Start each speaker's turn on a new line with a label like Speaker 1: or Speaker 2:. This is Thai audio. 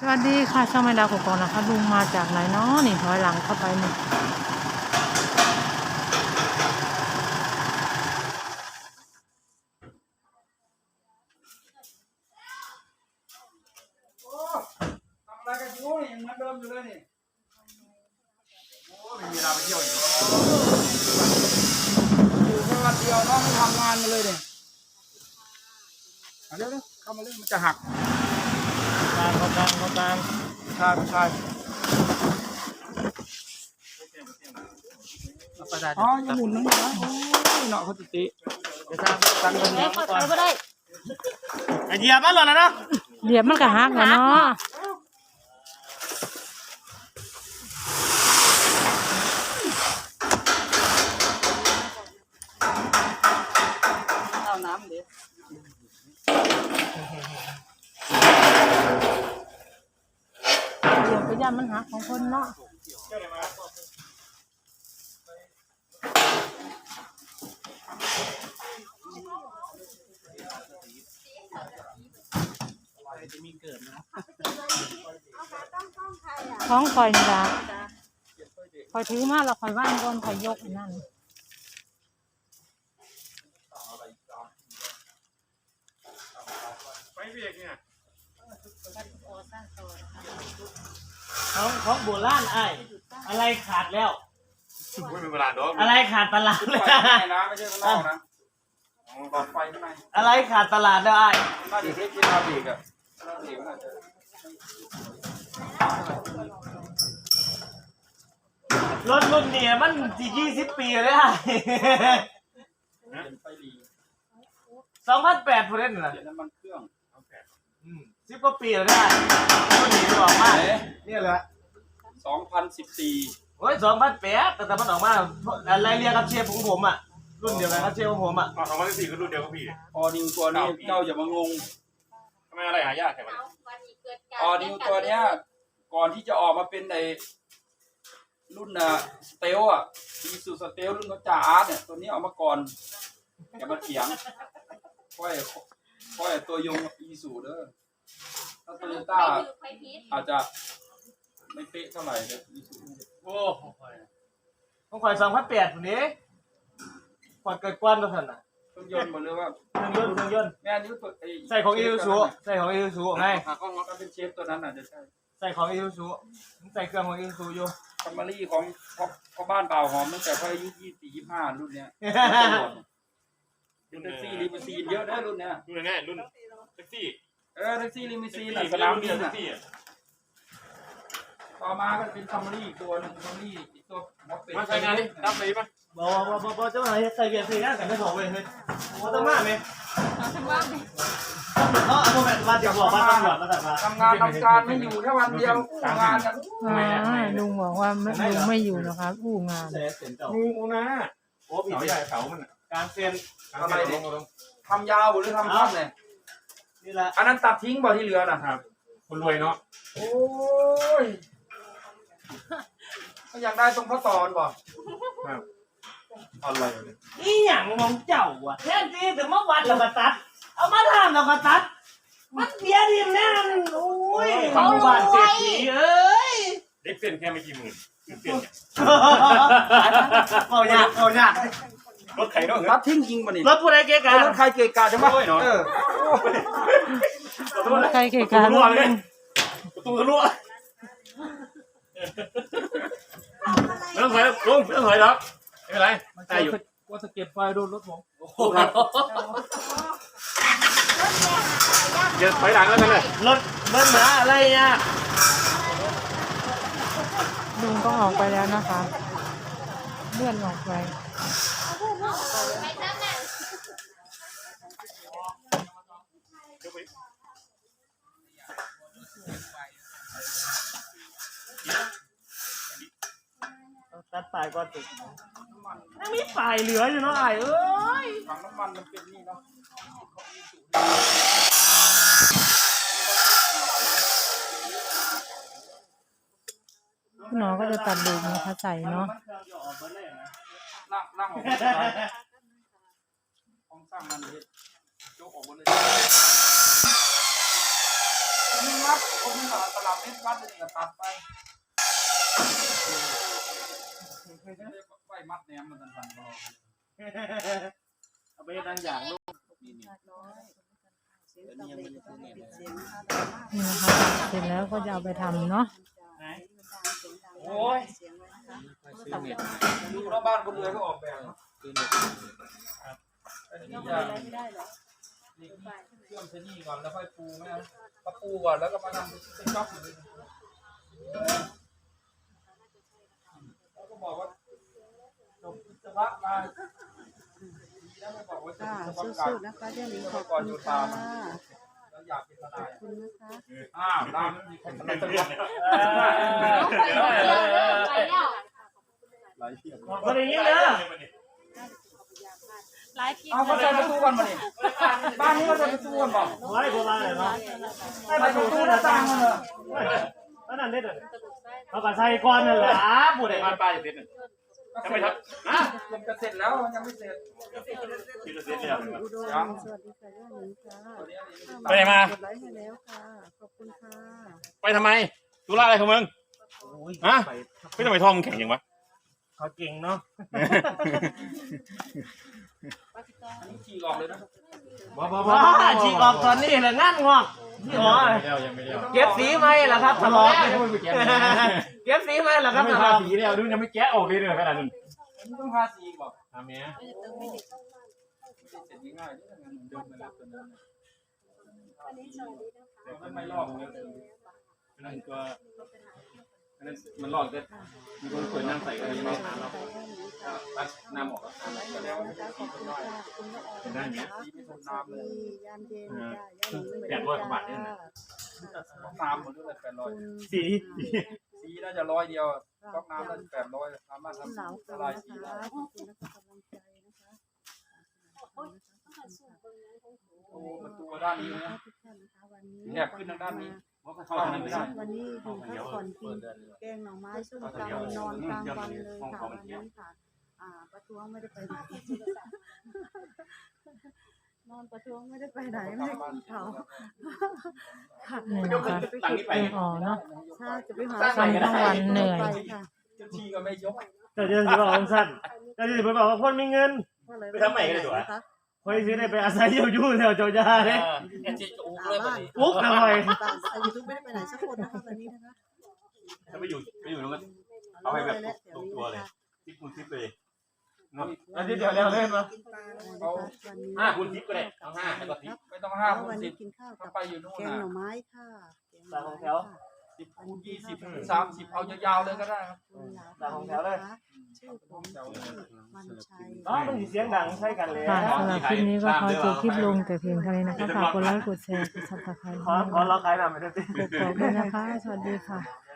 Speaker 1: สวัสดีค่ะช่องแม่ดาวกกอกนะคะลุงมาจากไหนเนาะนี่ถอยหลังเข้าไปนี่
Speaker 2: ทำอะไรกันอยู่นี่ยังเหมือนเดิมอยู่เลยนี่โอ้ไม่มีเวลาไปเที่ยวอยู่อยู่แค่วันเดียวน้องไม่ทำงานมาเลยเนี่ยเดี๋ยวเข้ามาเลยมันจะหัก
Speaker 1: เขาตาม
Speaker 2: ใช่ใช่อ๋อยังหมุนนั่นนะโอ้ยเนาะเขาติจะตั้งเงิน
Speaker 3: เข้าใจก็ได้
Speaker 4: เหยียบมันหล่นแล้วเนาะ
Speaker 1: เดี๋ยวมันก็หักแล้วเนาะ
Speaker 2: เอาน้ำเดี๋ยว
Speaker 1: เดี๋ยวไปย่ามันหักของคนเนาะท้องคอยนี่ละคอยถือมาแล้วคอยว่างก่อนคอยยกนั่น
Speaker 4: ไปเบียกเนี่ย
Speaker 3: ของโบราณอะไรขาดแล้ว
Speaker 4: ไม่เป็นเวลาดอก
Speaker 3: อะไรขาดตลาด
Speaker 2: ไฟข้างในนะไม่ใช่ข้างนอกนะหลอดไฟข้างใน
Speaker 3: อะไรขาดตลาดแล้ว
Speaker 2: น่าจะเทคที่นาบีกอ่ะนาบีกน่าจะ
Speaker 3: รถรุ่นนี้มัน20 ปีเลย
Speaker 2: ไฟหลี
Speaker 3: 2008พูดเล่นนะ
Speaker 2: เดี๋ยวน้ำมันเครื่อง
Speaker 3: 10 กว่าปีแล้วได้รุ่นนี้ออกมาเนี่ยแหละ
Speaker 2: 2014
Speaker 3: โอ้ย2008แต่มันออกมาอะไรเรียกกับเชฟของผมอ่ะรุ่นเดียวกันกับเชฟของผมอ่ะ
Speaker 4: 2014ก็รุ่นเดียวกับพี่
Speaker 2: ออดิวตัวนี้เจ้าอย่ามางง
Speaker 4: ทำไมอะไรหายากแค่ไหน
Speaker 2: ออดิวตัวเนี้ยก่อนที่จะออกมาเป็นในรุ่นสเตลอ่ะมีสูสเตลรุ่นเขาจ่าอาร์ตเนี่ยตัวนี้ออกมาก่อนอย่ามาเถียงค่อยตัวยงอีสูเด้อถ้าโตโยต้าอาจจะไม่เป๊ะเท่าไหร่เลยอีสู
Speaker 3: โอ้ต้องคอย2008คนนี้พอเกิดกวนตัวท่านอ่ะ
Speaker 2: เครื่องยนต์หมดเลยว่า
Speaker 3: เครื่องยนต์
Speaker 2: แม่นิ้วตัว
Speaker 3: ใส่ของอีซูซูไง
Speaker 2: ก็งก็เป็นเชฟตัวนั้นอาจจะใช่
Speaker 3: ใส่ของอีซูซูใส่เครื่องของอีซูซูอยู่
Speaker 2: คัมมารี่ของพ่อบ้านเปล่าหอมตั้งแต่พ่ออายุ24-25รุ่นเนี้ยรุ่นแท็กซี่ลิมูซีนเยอะนะรุ่นเนี้ย
Speaker 4: รุ่นง่ายรุ่นแท็กซี่
Speaker 2: แท็กซี่ลิมูซีนสนามบินอ่ะต่อมาก็เป็นคัมมารี่อีกตัวนึงคัมมารี่อีกตัว
Speaker 4: มาใช้งานนี่รับไปป่ะ
Speaker 3: บอกเจ้าหน่อยใส่เบียร์ใส่งานกันไม่บอกเลยเฮ้ยว่าต้องมาไหมเอาแบบมาเดี๋ยวบอกว่าต้องหยอดมาแต่มา
Speaker 2: ทำงานไม่อยู่แค่วันเดียวงานกัน
Speaker 1: ลุงบอกว่าลุงไม่อยู่นะคะอู้งาน
Speaker 4: งูนะโอ้ผีไม่ใหญ่เขามัน
Speaker 3: การเซ็น
Speaker 2: อะไรเนี่ยทำยาวหรือทำสั้นเนี่ย
Speaker 3: นี่แหละ
Speaker 2: อันนั้นตัดทิ้งบ่ที่เหลือน่ะ
Speaker 4: ครับคนรวยเนาะ
Speaker 2: โอ้ยก็อยากได้ตรงข้อต่อบ่
Speaker 4: ครับอะไรเนี่ย
Speaker 3: อีหยังมองเจ้าอ่ะแทนที่ถึงมาวัดแล้วก็ตัดเอามาทำแล้วก็ตัดมันเบียดีแน่นโอ้ยเขาบ้านเศรษฐีเอ้ย
Speaker 4: เด็กเส้นแค่ไม่กี่หมื่นเส้น
Speaker 3: เขายาก
Speaker 4: รถไข่ด้วย
Speaker 2: ตัดทิ้งจริงป่ะนี่
Speaker 3: รถผู้ใดเกะกะ
Speaker 2: รถใครเกะกะจังวะ
Speaker 1: ใครเกะกะลุง
Speaker 4: ประตูทะลุไม่ต้องถอยลุงไม่ต้องถอยหรอกไม่เป็นไรได้อยู่
Speaker 2: ว่าสะเก็ดไฟโดนรถผม
Speaker 4: อย่าถอยหลังแล้วกันเลย
Speaker 3: รถเบิ้ลนะอะไรเนี่ย
Speaker 1: ลุงต้องออกไปแล้วนะคะเลื่อนออกไป
Speaker 3: ตัดปลายก่อนติดยังมีปลายเหลืออยู่เนาะไอ้เอ้ย
Speaker 2: ถังน้ำมันมันเป็นนี่เนาะ
Speaker 1: คุณหมอก็จะตัดลูกนะคะใส่เนาะ
Speaker 2: นั่งออกห้องสร้างมันเลยโจ๊กออกหมดเลย 1 มัดคนนึงตลับเม็ดมัดนึงก็ตัดไปไว้มัดแหนมมันสั่นๆก็
Speaker 3: เอาไปดังอย่างลูก
Speaker 2: นี่
Speaker 1: นี่นะคะเสร็จแล้วก็จะเอาไปทำเนาะ
Speaker 2: โอ้ยดูแล้วบ้านคนรวยก็ออกแบบอันนี้จะเชื่อมเส้นนี้ก่อนแล้วค่อยปูไหมก็ปูก่อนแล้วก็มาทำเป็นจ็อกเลยแล้วก็บอกว่าจบวิศวะมาแล้วไม่บอกว่าจบวิศวกรรมนะคะเรื่องนี้ขอบคุณค่ะแล้วอยากเป็นทนายขอบคุณนะคะอ้าวได้ไม่มีคนทนายตัว
Speaker 3: คนอย่างนี้เลย
Speaker 2: เอาเขาจะไปสู้กันมาดิบ้านนี้เขาจะไปสู้กันบ่
Speaker 3: ไว้โบราณเลยเนาะ
Speaker 2: ไม่ไปสู้หน้าต่างกันเหรอ
Speaker 3: นั่นเด็ดเลยเขาก็ใส่ก้อนนั่นแหละบุตร
Speaker 4: บ้านป้าจะเสร็จจะไปครับฮะ
Speaker 2: มันจะเสร็จแล้วมันยังไม่เสร็จ
Speaker 4: ที่จะเสร็จแล้ว
Speaker 2: ยัง
Speaker 5: สวัสดีค่ะย่าหนิงค่ะ
Speaker 4: ไปไหนมาก
Speaker 5: ดไลค์ให้แล้วค่ะ ขอบคุณค่ะ
Speaker 4: ไปทำไมธุระอะไรของมึงฮะไม่ทำไมท้องแข็งอย่างวะ
Speaker 3: เขาเก่งเนาะ
Speaker 2: อันนี้ฉีกออกเลยนะ
Speaker 3: ว้าฉีกออกตอนนี้แหละงานงอกพี่หมอ
Speaker 4: ยังไม่เลี้ยว
Speaker 3: เก็บสีไหมล่ะครับทะเลาะเก็บสีไหมล่ะครับ
Speaker 4: ไม่
Speaker 3: ทะ
Speaker 4: ทา
Speaker 3: เลาะ
Speaker 4: สีแล้วดูยังไม่แกะออกเลยเนี่ยขนาดนั้น
Speaker 2: มันต้องทาสีก่อน
Speaker 4: ทำเนี้ย
Speaker 2: ไม่ได้เสร็จง่ายๆนี่ทำงานเดิมไปแล้วตัวนั้นมันไม่ลอกเลย
Speaker 4: นั่นก็นั่นมันหลอกจะมีคนเปิดน้ำใส่กันยังไม่ทานเราตักน้ำออกแล้ว
Speaker 2: ก็แล้วมันจะสีน้อย
Speaker 4: เป็นได้เนี้ย
Speaker 2: สีไม่ทนน้ำเลย
Speaker 5: ยามเย็นจ้าย่าหนิง
Speaker 4: 800 กว่าบาทเนี่ยนะ
Speaker 2: น้ำหมดด้วย800
Speaker 3: สี
Speaker 2: สีน่าจะ100 เดียวก๊อกน้ำน่าจะ800สามารถ
Speaker 5: คุณเหลา
Speaker 2: ทำ
Speaker 5: ค่ะ
Speaker 2: ละลายสี
Speaker 5: นะ
Speaker 2: ได้
Speaker 5: คะขอบคุณนะคะกำลังใจนะคะ
Speaker 2: โอ้มันตัวด้านนี้นะ
Speaker 5: ทุกท่านนะคะวันนี้
Speaker 2: แถบขึ้นทางด้านนี้
Speaker 4: เข้าทางนั้นไม่ได้
Speaker 5: วันนี้อยู่พักผ่อนกินแกงหน่อไม้ส้มตำนอนกลางวันเลยค่ะวันนี้ค่ะประท้วงไม่ได้ไปไหนนอนประท้วงไม่ได้ไปไหนไม่ได้กินเขาค่ะ
Speaker 1: นี่นะคะเป็นอ๋อเนาะ
Speaker 5: ถ้าจะไปหา
Speaker 1: ทำทั้งวันเหนื่อย
Speaker 5: ไปค่ะ
Speaker 2: เจ้าที่ก็ไม่ยก
Speaker 3: แต่จะบอกองสั้นแต่จะบอกว่าคนมีเงิน
Speaker 4: ไปทำใหม่กันเลยดีกว่า
Speaker 3: คอยซื้อได้ไปอาศัยอยู่แถวเจ้าย่าเลย
Speaker 2: เอ็นจีก็อุ้เลยแบบนี้
Speaker 3: ปุ๊กหน่อย
Speaker 5: บ้านแต่ยูทูบไม่ได้ไปไหนสักคนนะคะวันนี้นะคะ
Speaker 4: ถ้าไปอยู่ตรงนั้นเอาไปแบบตรงตัวเลยทิปคูณทิปเลยเนาะ
Speaker 3: อันนี้เดี๋ยวเล่นมา
Speaker 5: กินปลานะคะวันนี้
Speaker 4: 5 คูณทิปก็ได้เอา5แล้วก็ทิป
Speaker 2: ไม่ต้อง
Speaker 5: แล้ว
Speaker 2: 5 คู
Speaker 5: วั
Speaker 2: ณ
Speaker 5: นนี้
Speaker 2: 10
Speaker 5: กินข้าว
Speaker 2: ถ้า
Speaker 5: กับ
Speaker 2: ไปอยู่นู่น
Speaker 5: แกง
Speaker 2: นะ
Speaker 5: หน่อไม้ค่ะแกงหน่อไม้ค่ะ
Speaker 2: 10 คูณ 20 คูณ 30เอายาวๆเลยก็ได้ครับ
Speaker 5: ชื่อผมมันชัย
Speaker 3: น้องมันเสียงดังใช่กันเลย
Speaker 1: ค่ะสำหรับคลิปนี้ก็ขอจบคลิปลงแต่เพียงเท่านี้นะคะฝากกดไลค์กดแชร์กดซับสไครต์
Speaker 3: ขอเราขายหน่อยไม่ได้สิ
Speaker 1: กดกรอกด้วยนะคะ สวัสดีค่ะ